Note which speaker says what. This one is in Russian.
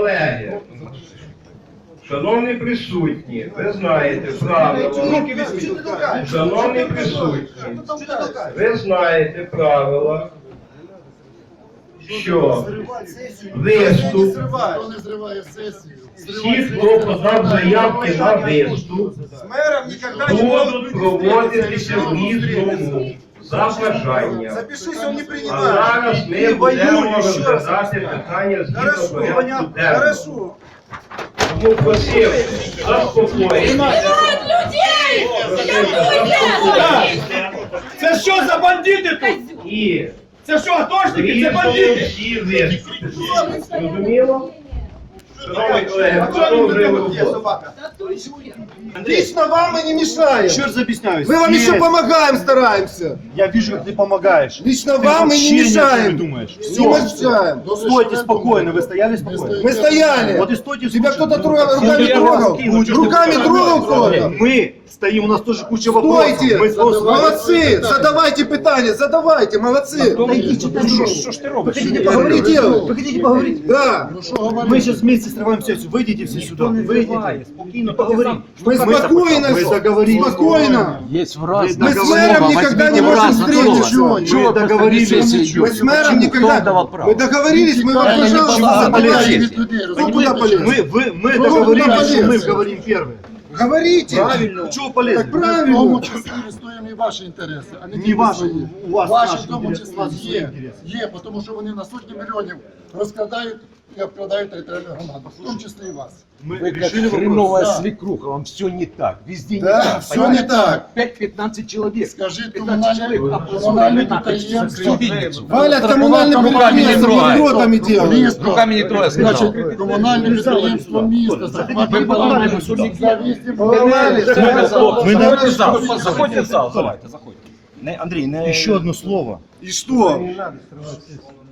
Speaker 1: Колеги, шановні присутні, ви знаєте правила. Шановні присутні, ви знаєте правила, що виступ, всі, хто подав заявки на виступ, будуть проводитися в різному за бажанням. А зараз ми будемо розглядати питання згідно порядку денного. Тому просив, заспокоїтися.
Speaker 2: Це що за бандити тут?
Speaker 1: І
Speaker 2: Це що, атошники? Це бандити?
Speaker 1: всі виступи. Зрозуміло? Шановні колеги, продовжуємо роботу.
Speaker 3: Лично вам мы не мешаем.
Speaker 4: Еще раз объясняю.
Speaker 3: Мы вам
Speaker 4: здесь
Speaker 3: еще помогаем, стараемся.
Speaker 4: Я вижу, как ты помогаешь.
Speaker 3: Лично
Speaker 4: Ты
Speaker 3: вам мы
Speaker 4: вообще
Speaker 3: не
Speaker 4: ни о чем
Speaker 3: мешаем.
Speaker 4: не думаешь.
Speaker 3: Не
Speaker 4: Все.
Speaker 3: мешаем.
Speaker 4: Стойте спокойно. Вы стояли спокойно?
Speaker 3: Мы стояли.
Speaker 4: Вот и стойте.
Speaker 3: Тебя
Speaker 4: слушайте.
Speaker 3: кто-то руками трогал? Руками трогал кто-то?
Speaker 4: Мы стоим, у нас тоже куча вопросов.
Speaker 3: Стойте!
Speaker 4: Мы просто-
Speaker 3: Молодцы! Задавайте питания, задавайте, молодцы!
Speaker 4: Что ж ты робишь?
Speaker 3: Поговорите!
Speaker 4: Вы хотите поговорить?
Speaker 3: Да!
Speaker 4: Мы сейчас вместе срываем сессию. Выйдите все сюда. Выйдите. Спокойно поговорим.
Speaker 3: Мы спокойно,
Speaker 4: Мы договорились.
Speaker 3: спокойно!
Speaker 5: Есть в раз.
Speaker 3: Мы с мэром никогда не можем встретиться!
Speaker 4: Мы договорились.
Speaker 3: Мы с мэром никогда... Мы договорились, мы вам, пожалуйста, задавайте! Кто куда полез?
Speaker 4: Мы договорились, что мы говорим первые.
Speaker 3: Говорите!
Speaker 4: Правильно. Чего полезно?
Speaker 3: Так правильно!
Speaker 6: числі відстоюємо і ваші інтереси, а не
Speaker 4: Не
Speaker 6: тільки
Speaker 4: ваші,
Speaker 6: свої.
Speaker 4: у вас
Speaker 6: Ваші
Speaker 4: наші
Speaker 6: в тому
Speaker 4: інтереси,
Speaker 6: числі
Speaker 4: у нас свої
Speaker 6: є,
Speaker 4: інтереси.
Speaker 6: тому що вони на сотні мільйонів розкрадають і обкрадають територіальну громаду, в тому числі і вас.
Speaker 4: Мы
Speaker 5: Вы как
Speaker 4: решили вопрос.
Speaker 5: хреновая
Speaker 6: Да.
Speaker 5: свекруха, вам все не так. Везде не
Speaker 3: Да,
Speaker 5: так.
Speaker 3: все
Speaker 5: понимаете?
Speaker 3: не так.
Speaker 5: 5-15 человек.
Speaker 6: Скажіть
Speaker 5: 15 человек,
Speaker 6: комунальне
Speaker 5: а
Speaker 6: підприємство.
Speaker 3: Валят коммунальным предприятием, бюротами делают.
Speaker 5: Руками не трогай, сказал.
Speaker 6: Значить, комунальне підприємство міста захватили
Speaker 5: поломали сюда.
Speaker 3: Поломали, да.
Speaker 5: Заходите в зал, давайте, заходите.
Speaker 4: Еще одно слово.
Speaker 3: И что?